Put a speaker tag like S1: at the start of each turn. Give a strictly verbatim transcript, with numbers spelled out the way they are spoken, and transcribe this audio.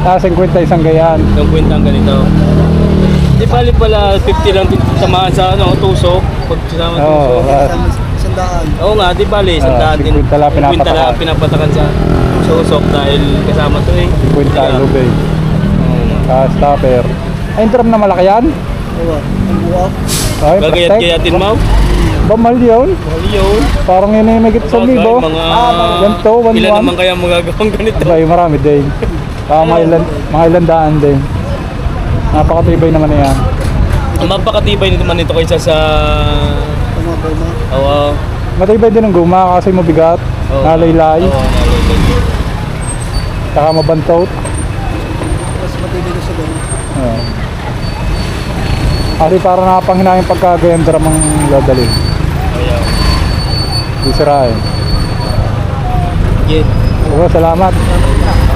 S1: Ah, fifty isang gayaan.
S2: Yung kwentang ganito. Di bali pala fifty lang din tamaan sa ano, tusok. Pag sinama
S1: Oo,
S2: tusok.
S1: ah,
S3: Sandaan.
S2: Oo nga, di bali, sandaan din.
S1: fifty lang pinapatakan.
S2: fifty lang pinapatakan sa tusok dahil kasama to eh.
S1: fifty
S2: Kaya,
S1: lubay.
S2: oo nga.
S1: Ah, stopper. Ay, yung drum na malaki yan?
S3: Oo. Ang buwak.
S1: Ay,
S2: Gagayat-gayatin mo?
S1: Ba, mahal yun?
S2: Mahal yun.
S1: Parang yun ay magit sa
S2: Bagay,
S1: libo.
S2: mga...
S1: Yan to, one
S2: Ilan
S1: one.
S2: naman kaya magagawang ganito?
S1: Abay, marami din. Ah, mga ilan, mga ilan daan din. Napakatibay naman na yan.
S2: Ang mapakatibay nito man ito kaysa sa...
S3: Tama ba ma?
S2: Oo.
S1: Matibay din ang guma kasi mabigat.
S2: Oo.
S1: Nalaylay.
S2: Oo, nalaylay.
S1: Saka mabantot.
S3: Mas matibay ko sa doon.
S1: Oo. Kasi para nakapanghinayang pagkagayang drum ang dadali.
S2: Ayaw.
S1: Di sirain.
S2: Yeah.
S1: Oo, salamat.